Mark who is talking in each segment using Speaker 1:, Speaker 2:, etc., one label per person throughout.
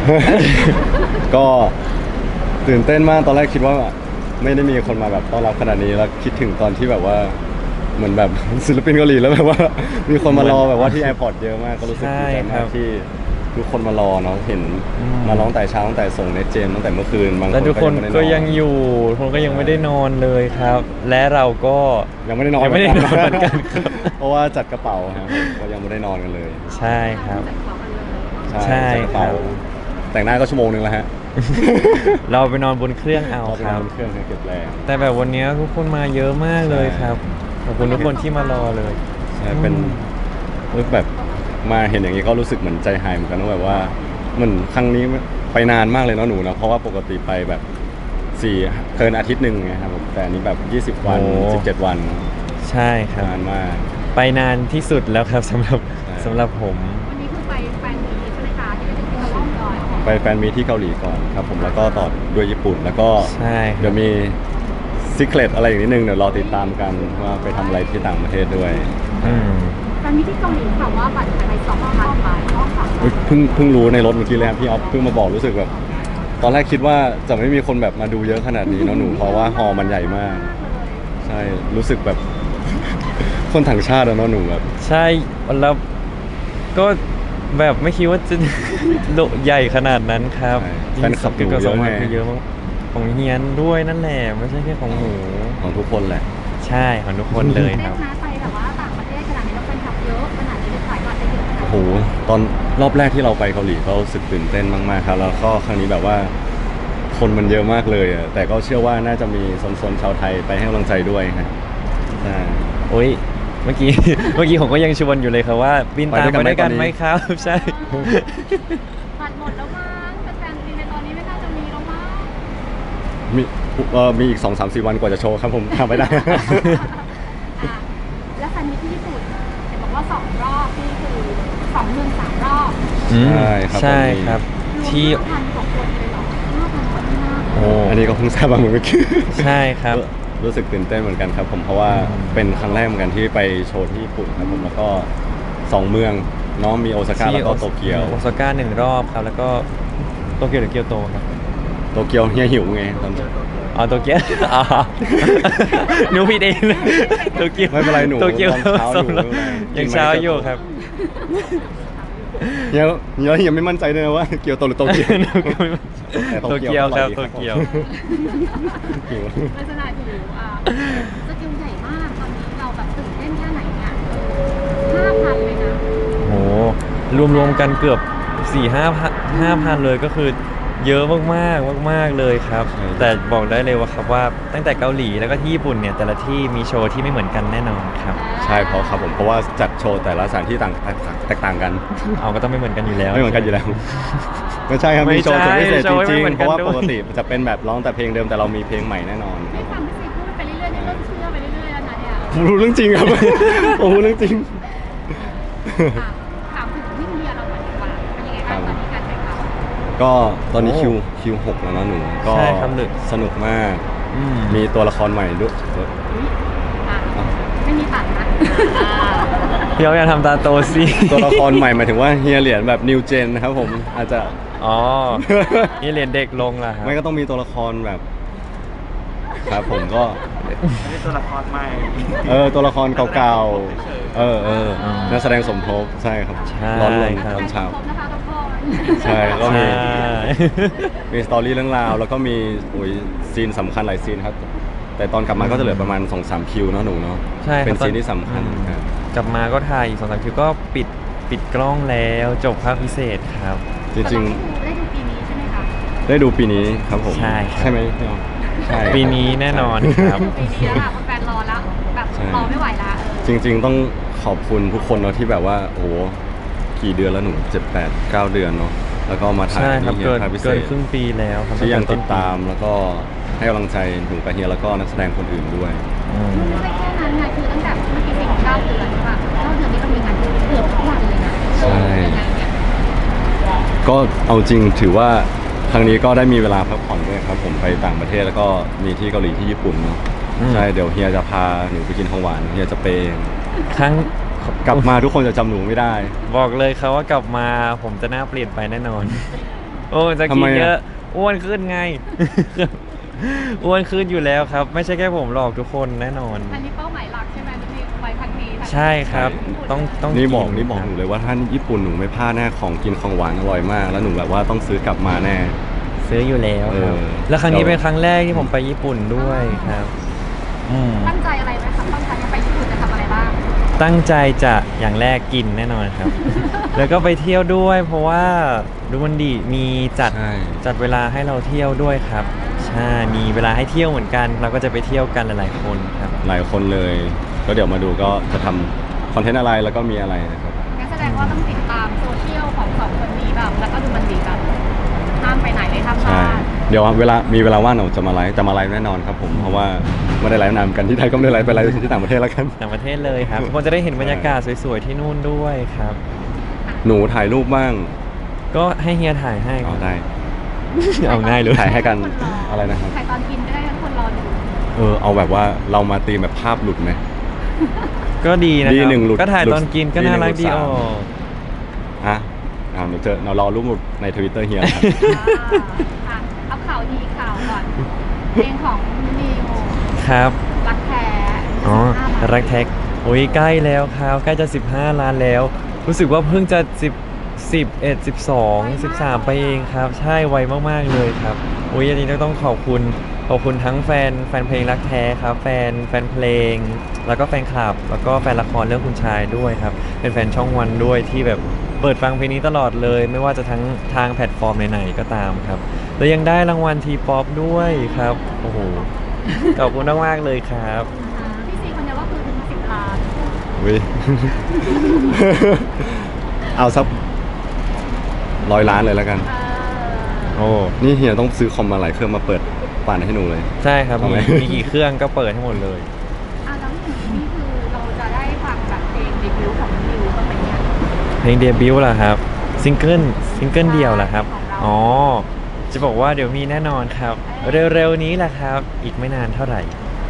Speaker 1: ก็ตื่นเต้นมากตอนแรกคิดว่าไม่ได้มีคนมาแบบต้อนรับขนาดนี้แล้วคิดถึงตอนที่แบบว่าเหมือนแบบ ศิลปินเกาหลีแล้วแบบว่ามีคนมารอแบบว่าที่แอร์พอร์ตเยอะมากก็รู้สึกดีใจมากที่ทุกคนมารอเนาะเห็นมาร้องแต่เช้าตั้งแต่ส่งเนตเจมตั้งแต่เมื่อคืนบางคน
Speaker 2: แล้วทุกคน
Speaker 1: ไม่ได้
Speaker 2: ก็ยังอยู่ทุกคนก็ยังไม่ได้นอนเลยครับ และเราก็
Speaker 1: ยังไม่ได้นอน
Speaker 2: ยังไม่ได้นอนเหมือนกันครับ
Speaker 1: เพราะว่าจัดกระเป๋าครับก็ยังไม่ได้นอนกันเลย
Speaker 2: ใช่ครับ ใช่
Speaker 1: จัดกระเป๋า
Speaker 2: ครับ
Speaker 1: แต่งหน้าก็ชั่วโมงนึงแล้วฮะ
Speaker 2: เราไปนอนบนเครื่องเอา
Speaker 1: เราไป
Speaker 2: คน รั
Speaker 1: อบ นเครื่องให้เก็บแรง
Speaker 2: แต่แบบวันนี้ทุกคนมาเยอะมากเลยครับขอบคุณทุกคนที่มารอเลย
Speaker 1: ใช่เป็นแบบมาเห็นอย่างนี้ก็รู้สึกเหมือนใจหายเหมือนกันว่าแบบว่าเหมือนครั้งนี้ไปนานมากเลยเนาะหนูนะเพราะว่าปกติไปแบบเกินอาทิตย์หนึ่งไงครับผมแต่อันนี้แบบ20 วัน
Speaker 2: โอ้
Speaker 1: 17 วัน
Speaker 2: ใช่ครับ
Speaker 1: นานมาก
Speaker 2: ไปนานที่สุดแล้วครับสำหรับ
Speaker 1: ใช่
Speaker 2: สำหรับผม
Speaker 3: วันนี้คือไปแฟนมีใช่ไหมคะที่ไปถึงที่เราล่องดอย
Speaker 1: ไปแฟนมีตที่เกาหลีก่อนครับผมแล้วก็ต่อด้วยญี่ปุ่นแล้วก็
Speaker 2: ใช่ค
Speaker 1: เดี๋
Speaker 2: รั
Speaker 1: ย
Speaker 2: บ
Speaker 1: วมีซิกเลตอะไรอีกนิดนึงเดี๋ยวรอติดตามกันว่าไปทำอะไรที่ต่างประเทศด้วย
Speaker 2: อืม
Speaker 3: แฟนมีที่เกาหลีค่ะว่าบัตรขายไป2,000 บาทรอบสาม
Speaker 1: เฮ้ยเพิ่งรู้ในรถเมื่อกี้เลยครับพี่ออฟเพิ่งมาบอกรู้สึกแบบตอนแรกคิดว่าจะไม่มีคนแบบมาดูเยอะขนาดนี้เนาะหนูเพราะว่าฮอลล์มันใหญ่มาก ใช่รู้สึกแบบ คนต่างชาติอะเนาะหนูแบบ
Speaker 2: ใช่แล้วก็แบบไม่คิดว่าจะ โลใหญ่ขนาดนั้นครับ
Speaker 1: แฟนคลับหนู
Speaker 2: ก็
Speaker 1: เย
Speaker 2: สอ
Speaker 1: อะ
Speaker 2: ง
Speaker 1: ไง
Speaker 2: วันคือเยอะมากของเฮียนด้วยนั่นแหละไม่ใช่แค่ของหนู
Speaker 1: ของทุกคนแหละ
Speaker 2: ใช่ของทุกคนเลย
Speaker 3: เต้
Speaker 2: คน รับ
Speaker 3: นะไปแบบว่าต่างประเทศขนาดนี้เราแฟนคลับเยอะขนาดนี้เลยขายบัตรได้เยอะขนาด
Speaker 1: โอ้โห
Speaker 3: นี้
Speaker 1: ตอนรอบแรกที่เราไปเกาหลีก็รู้สึกตื่นเต้นมากๆครับแล้วก็ครั้งนี้แบบว่า คนมันเยอะมากเลยอะแต่ก็เชื่อว่าน่าจะมีโซนๆชาวไทยไปให้กำลังใจด้วยครับใช่
Speaker 2: โอ้ยเมื่อกี้ เมื่อกี้ผมก็ยังชวนอยู่เลยครับว่าบินตามไปด้วยกันไหมครับ ใช่
Speaker 3: บัตรหมดแล้วมั้งแฟนๆในตอนนี้ไม่น่าจะมีแล้วมั้ง
Speaker 1: มีอีก 2-3-4 วันกว่าจะโชว์ครับผมทำไม่ได้
Speaker 3: อ่ะแล้วแฟนมีที่ญี่ปุ่นเห็นบอกว่า2 รอบนี่คือ2 เมือง 3 รอบ
Speaker 2: อืม
Speaker 1: ใช่ครับ
Speaker 2: ใช่
Speaker 1: ผม
Speaker 2: ครับ
Speaker 3: รวม
Speaker 2: ที่
Speaker 3: 5,000 กว่าคนเลยเหรอ5,000 คนมาก
Speaker 2: โอ้
Speaker 1: อันนี้ก็เพิ่งทราบมาเหมือนกัน
Speaker 2: ใช่ครับ
Speaker 1: รู้สึกตื่นเต้นเหมือนกันครับผมเพราะว่า
Speaker 2: อืม
Speaker 1: เป็นครั้งแรกเหมือนกันที่ไปโชว์ที่ญี่ปุ่นครับผมแล้วก็2 เมืองเน้องมีโอซาก้าแล้วก็โตเกียว
Speaker 2: โอซาก้า1 รอบครับ แล้วก็โตเกียวหรือเกียวโตครับ
Speaker 1: โตเกียวเฮียหิวไงตอน
Speaker 2: อ๋อโตเกียว อ๋อหนูผิดเองโตเกียว
Speaker 1: ไม่เป็นไรหนู
Speaker 2: โตเกียว
Speaker 1: ตอนเช้าอยู่
Speaker 2: ยังเช้าอยู่ครับ
Speaker 1: เฮียยังไม่มั่นใจเลยนะว่าเกียวโตหรือโตเกียว แต่
Speaker 2: โตเกียวครับโตเกียว
Speaker 1: หิว
Speaker 3: ๆลักษณะหิวสกิลใหญ่มากตอนนี้เราแบบตื่นเต้นแค่ไหนเนี่ย5,000เลยนะ
Speaker 2: โหรวมๆกันเกือบ 4-5,000เลยก็คือเยอะมากๆมากๆเลยครับ
Speaker 1: ใช่
Speaker 2: แต่บอกได้เลยว่าครับว่าตั้งแต่เกาหลีแล้วก็ที่ญี่ปุ่นเนี่ยแต่ละที่มีโชว์ที่ไม่เหมือนกันแน่นอนครับ
Speaker 1: ใช่เพราะครับผมเพราะว่าจัดโชว์แต่ละสถานที่แตกต่างกัน
Speaker 2: เอาก็ต้องไม่เหมือนกันอยู่แล้ว
Speaker 1: ไม่เหมือนกันอยู่แล้ว ไม่ใช่ครับ
Speaker 2: ไม่
Speaker 1: มีโชว์สุดพิเศษ
Speaker 2: ใช่โชว์ไม่
Speaker 1: จริง
Speaker 2: เหมือน
Speaker 1: ๆเพ
Speaker 2: กัน
Speaker 1: ราะว่า
Speaker 2: ด้วย
Speaker 1: ปกติจะเป็นแบบร้องแต่เพลงเดิมแต่เรามีเพลงใหม่แน่นอนค
Speaker 3: ได้
Speaker 1: รับ
Speaker 3: ฟังพี่ซีพูดไปเรื่อยๆนี่เริ่มเชื่อไปเรื่อยๆแล้วนะเนี่ย
Speaker 1: ผมรู้เรื่องจริงครับ ผมรู้เรื่องจริง
Speaker 3: อ่ะถามถึงพี่เมียเราหน่อยดีกว่าเป็นยังไงบ้างตอนนี้การถ่ายทำ
Speaker 1: ก็ตอนนี้
Speaker 2: โอ้
Speaker 1: คิว6แล้วเนาะหนูก็
Speaker 2: ใช่ครับหรือ
Speaker 1: สนุกมาก
Speaker 2: อืม
Speaker 1: มีตัวละครใหม่ด้วย
Speaker 3: อ่ะไม่มีตัดนะ
Speaker 2: พี่เอาอย่าทำตาโตสิ
Speaker 1: ตัวละครใหม่หมายถึงว่าเฮียเหรียญแบบนิวเจนนะครับผมอาจจะ
Speaker 2: อ๋อ นี่เรียนเด็กลงล่ะครับ
Speaker 1: ไม่ก็ต้องมีตัวละครแบบ ครับผมก็
Speaker 4: นี่ตัวละครใหม่
Speaker 1: ตัวละครเก่าๆนักแสดงสมทบใช่ครับ
Speaker 2: ใช่
Speaker 1: ร้อนลง
Speaker 2: ครับ
Speaker 1: ตอนเช้า
Speaker 3: ครบนะคะทุกคน
Speaker 1: ใช่ก็มี
Speaker 2: ใช่
Speaker 1: มีสตอรี่เรื่องราว แล้วก็มีซีนสำคัญหลายซีนครับ แต่ตอนกลับมาก็จะเหลือประมาณ 2-3 คิวเนาะหนูเนาะ
Speaker 2: ใช่ครับ
Speaker 1: เป็นซีนที่สำคัญครับ
Speaker 2: กลับมาก็ถ่ายอีก2-3 คิวก็ปิดกล้องแล้วจบภาคพิเศษครับ
Speaker 1: จริง
Speaker 3: ได้ดูปีนี้ใช่ไหมคะ
Speaker 1: ๆ ได้ดูปีนี้ครับผม
Speaker 2: ใช่ครับ
Speaker 1: ใช่ไหมพี่ออมใช่
Speaker 2: ปีนี้แน่นอนครับ
Speaker 3: ปีนี้แล้วค่ะแฟนๆรอแล้วแบบรอไม่ไหวละ
Speaker 1: จริง ๆ ต้องขอบคุณทุกคนเนาะที่แบบว่าโอ้โหกี่เดือนแล้วหนู7-8-9 เดือนเนาะแล้วก็มาถ่าย
Speaker 2: ใช่ครับ
Speaker 1: ที่
Speaker 2: เกิน
Speaker 1: ภาคพิเศ
Speaker 2: เกิน
Speaker 1: ษ
Speaker 2: ครึ่งปีแล้วครับ
Speaker 1: ที่ยังติด
Speaker 2: ตั้งแ
Speaker 1: ตามแล้วก็ให้กำลังใจหนูกับเฮียแล้วก็นักแสดงคนอื่นด้วย
Speaker 2: อืม
Speaker 3: ไม่ใช่แค่นั้นไงคือตั้งแต่เมื่อกี้4 9 เดือนใช่ป่ะ9 เดือนนี้ก็มีงานเกือบทุกวันเลยนะ
Speaker 1: ใช่
Speaker 3: ยังไงเนี่ย
Speaker 1: ก็เอาจริงถือว่าครั้งนี้ก็ได้มีเวลาพักผ่อนด้วยครับผมไปต่างประเทศแล้วก็มีที่เกาหลีที่ญี่ปุ่นเนาะใช่เดี๋ยวเฮียจะพาหนูไปกินของหวานเฮียจะเปย์
Speaker 2: ครั้ง
Speaker 1: กลับมาทุกคนจะจำหนูไม่ได้
Speaker 2: บอกเลยครับว่ากลับมาผมจะหน้าเปลี่ยนไปแน่นอนโอ้จะ
Speaker 1: ทำ
Speaker 2: กิ
Speaker 1: ไม
Speaker 2: น
Speaker 1: อะ
Speaker 2: เยอะอ้วนขึ้นไง อ้วนขึ้นอยู่แล้วครับ ไม่ใช่แค่ผมหรอกทุกคนแน่นอน
Speaker 3: อันนี้เป้าหมายหลักใช่ไหมที่มีไปพันที
Speaker 2: ใช่ครับ ต้อง
Speaker 1: นี่
Speaker 2: กิ
Speaker 1: บอกห
Speaker 2: ครั
Speaker 1: นูเลยว่าถ้าญี่ปุ่นหนูไม่พลาดแน่ของกินของหวานอร่อยมาก แล้วหนูแบบว่าต้องซื้อกลับมาแน่
Speaker 2: ซื้ออยู่แล้วครับ
Speaker 1: เออ
Speaker 2: แล้วครั้งนี้เป็นครั้งแรกที่ผมไปญี่ปุ่นด้วยครับม
Speaker 3: ตั้งใจอะไรไหมคะตั้งใจจะไปญี่ปุ่นจะทำอะไรบ้าง
Speaker 2: ตั้งใจจะอย่างแรกกินแน่นอนครับ แล้วก็ไปเที่ยวด้วย เพราะว่าดูมันดีมีจัด
Speaker 1: ใช่
Speaker 2: จัดเวลาให้เราเที่ยวด้วยครับใช่มีเวลาให้เที่ยวเหมือนกัน เราก็จะไปเที่ยวกันหลายๆคนครับ
Speaker 1: หลายคนเลย ก็เดี๋ยวมาดูก็จะทำคอนเทนต์อะไรแล้วก็มีอะไรนะครับ
Speaker 3: งั้นแสดงว่าต้องติดตามโซเชียลของสองคนนี้แบบแล้วก็ดูมันดีแบบห้ามไปไหนเลยครับ
Speaker 1: ใช่ เดี๋ยวมีเวลาว่างหนูจะมาไลฟ์แน่นอนครับผม เพราะว่าไม่ได้ไลฟ์นานเหมือนกันที่ไทยก็ไม่ได้ไลฟ์ไปไลฟ์ที่ต่างประเทศแล้วกัน
Speaker 2: ต่างประเทศเลยครับทุกคนจะได้เห็นบรรยากาศสวยๆที่นู่นด้วยครับ
Speaker 1: หนูถ่ายรูปบ้าง
Speaker 2: ก็ให้เฮียถ่ายให้ค
Speaker 1: เอา
Speaker 2: รับ
Speaker 1: ได้
Speaker 2: เอาง่ายเลย
Speaker 1: ถ่ายให้กันอะไรนะครับ
Speaker 3: ถ่ายตอนกินก็ได้ทุกคนรอดู
Speaker 1: เอาแบบว่าเรามาตีมแบบภาพหลุดไหม
Speaker 2: ก็ดีนะ
Speaker 1: ดี
Speaker 2: ครับ
Speaker 1: หนึ่งหลุด
Speaker 2: ก็ถ่ายตอนกินก็
Speaker 1: ดีหนึ่
Speaker 2: น่าง รักดี
Speaker 1: หลุด
Speaker 2: อ
Speaker 1: สาม
Speaker 2: อก
Speaker 1: ฮะเรารอรูปหลุดใน Twitter เฮียครับ
Speaker 3: อ่ะเอาข่าวดีข่าวก่อนเพลงของนิว
Speaker 2: ครับ
Speaker 3: รักแท้
Speaker 2: อ๋อ
Speaker 3: 15
Speaker 2: รักแท็กโอ้ยใกล้แล้วครับใกล้จะ15 ล้านแล้ว รู้สึกว่าเพิ่งจะ11 12 13ไปเองครับ ใช่ไวมากๆเลยครับโอ้ยอันนี้ต้องขอบคุณทั้งแฟนเพลงรักแท้ครับแฟนเพลง แล้วก็แฟนคลับ แล้วก็แฟนละครเรื่องคุณชายด้วยครับเป็นแฟนช่องวันด้วยที่แบบเปิดฟังเพลงนี้ตลอดเลย ไม่ว่าจะทั้งทางแพลตฟอร์มไหนๆก็ตามครับแล้วยังได้รางวัลทีป๊อปด้วยครับโอ้โหขอบคุณมากๆเลยครับ
Speaker 3: พี่ซีคนเดียวก็คือถึง10 ล้าน
Speaker 1: วิ เอาสัก100 ล้านเลยแล้วกัน
Speaker 2: โอ้
Speaker 1: นี่เฮียต้องซื้อคอมมาหลายเครื่องมาเปิดปั่นให้หนูเลย
Speaker 2: ใช่ครับ
Speaker 1: เอาไหม
Speaker 2: มีกี่เครื่องก็เปิดให้หมดเลย
Speaker 3: อ่ะแล้วอย่างนี้นี่คือเราจะได้ฟังแบบเพลงเดบิวต์ของนิวบ้างไหมเนี่ย
Speaker 2: เพลงเดบิวต์เหรอครับซิงเกิลเดียวเหรอครับ
Speaker 3: ของเรา
Speaker 2: อ๋อจะบอกว่าเดี๋ยวมีแน่นอนครับ เร็วๆนี้แหละครับ อีกไม่นานเท่าไหร่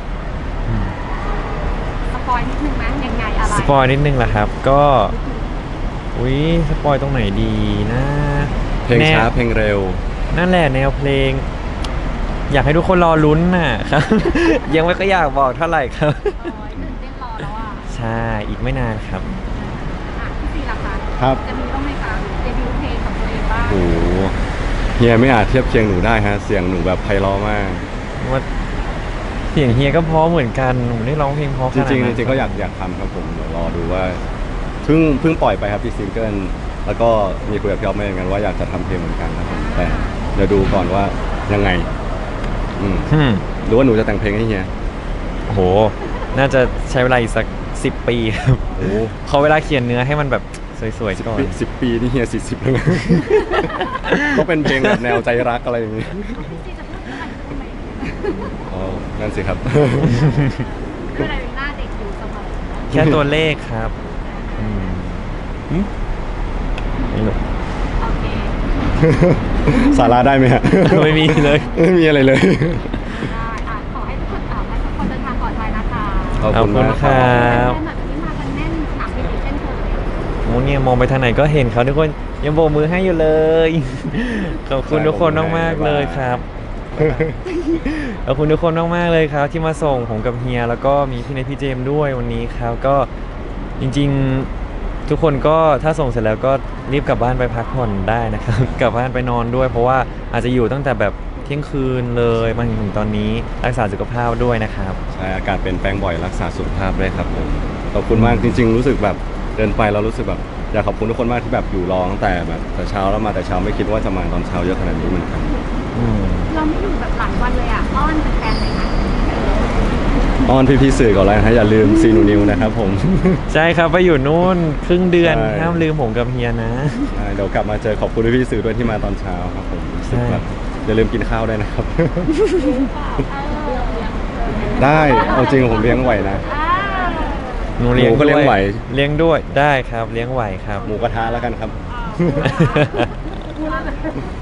Speaker 3: สปอยนิดนึงไหมยังไงอะไร
Speaker 2: สปอยนิดนึงแหละครับ ก็อุ้ยสปอยตรงไหนดีนะ
Speaker 1: เพลงช้า
Speaker 2: แนว
Speaker 1: เพลงเร็ว
Speaker 2: นั่นแหละแนวเพลง อยากให้ทุกคนรอลุ้นน่ะครับ ยังไม่ก็อยากบอกเท่าไหร่ครับ
Speaker 3: โอ้ยตื่นเต้นรอแล้วอ่ะ
Speaker 2: ใช่อีกไม่นานครับ
Speaker 3: อ่ะพี่ซีล่ะคะ
Speaker 1: ครับ
Speaker 3: จะมีบ้างไหมคะเดบิวต์เพลงของตัวเองบ้าง
Speaker 1: โอ้โหเฮียไม่อาจเทียบเคียงหนูได้ฮะ เสียงหนูแบบไพเราะมาก
Speaker 2: ว่าเสียงเฮียก็เพราะเหมือนกันหนูได้ร้องเพลงเพราะข
Speaker 1: จ
Speaker 2: นาด
Speaker 1: ริง
Speaker 2: นั้น
Speaker 1: ๆจริงๆก็อยากทำครับผมเดี๋ยวรอดูว่าเพิ่งปล่อยไปครับที่ซิงเกิลแล้วก็มีคุยกับพี่อ๊อฟมาเหมือนกันว่าอยากจะทำเพลงเหมือนกันครับผมแต่เดี๋ยวดูก่อนว่ายังไง
Speaker 2: อืม
Speaker 1: หรือว่าหนูจะแต่งเพลงให้เฮีย
Speaker 2: โอ้โห น่าจะใช้เวลาอีกสัก10 ปีครับ
Speaker 1: โอ้
Speaker 2: ขอเวลาเขียนเนื้อให้มันแบบสวยๆก่อน
Speaker 1: 10 ปีนี่เฮีย40แล้วนะ ก็เป็นเพลงแบบแนวใจรักอะไรอย่างนี้
Speaker 3: พี่ซีจะพูดเรื่องอะไรพูดไหม
Speaker 1: อ๋อนั่นสิครับ
Speaker 3: คืออะไรเป็นหน้าเด็กอยู่เสมอ
Speaker 2: แค่ตัวเลขครับอืมหึไม่รู้
Speaker 3: โอเค
Speaker 1: สาระได้ไหมฮะ
Speaker 2: ไม่มีเลย
Speaker 1: ไม่มีอะไรเลย
Speaker 3: ได้อ่ะขอให้ทุกคนให้ทุกคนเดินทางปลอดภัยนะคะ
Speaker 1: ขอบคุณมาก
Speaker 2: ขอบคุณครับ
Speaker 3: แน่นแบบนี้มากันแน่นสนามบินอีกเช่นเคย
Speaker 2: โอ้เนี่ยมองไปทางไหนก็เห็นเขาทุกคนยังโบกมือให้อยู่เลย ขอบคุณทุกคนมากๆเลยครับ ขอบคุณทุกคนมากๆเลยครับ ที่มาส่งผมกับเฮียแล้วก็มีพี่เนทพี่เจมส์ด้วยวันนี้ครับก็จริงๆทุกคนก็ถ้าส่งเสร็จแล้วก็รีบกลับบ้านไปพักผ่อนได้นะครับ กลับบ้านไปนอนด้วย เพราะว่าอาจจะอยู่ตั้งแต่แบบเที่ยงคืนเลยมาถึงตอนนี้รักษาสุขภาพด้วยนะครับ
Speaker 1: ใช่อากาศเปลี่ยนแปลงบ่อยรักษาสุขภาพด้วยครับผมขอบคุณมากจริง ๆ รู้สึกแบบเดินไปเรารู้สึกแบบอยากขอบคุณทุกคนมากที่แบบอยู่รอตั้งแต่แบบแต่เช้าแล้วมาแต่เช้าไม่คิดว่าจะมาตอนเช้าเยอะขนาดนี้เหมือนกัน
Speaker 2: อืม
Speaker 3: เราไม่อยู่แบบหลายวันเลยอ่ะอ้อนแฟนๆเลยนะ
Speaker 1: อ้อนพี่ๆสื่อก่อนเลยนะฮะอย่าลืมซีนูนิวนะครับผม
Speaker 2: ใช่ครับไปอยู่นู่นครึ่งเดือน
Speaker 1: ใช่
Speaker 2: ห้ามลืมผมกับเฮียนะ
Speaker 1: ใช่เดี๋ยวกลับมาเจอขอบคุณพี่ๆสื่อด้วยที่มาตอนเช้าครับผมรู้สึกแบบอย่าลืมกินข้าวด้วยนะครับ ได้เอาจริงผมเลี้ยงไหวนะ
Speaker 2: หนูเลี้ยง
Speaker 1: หนูก็เลี้ยง
Speaker 2: ด้ว
Speaker 1: ไหว
Speaker 2: เลี้ยงด้วยได้ครับเลี้ยงไหวครับ
Speaker 1: หมูกระทะแล้วกันครับ
Speaker 3: พูดแล้ว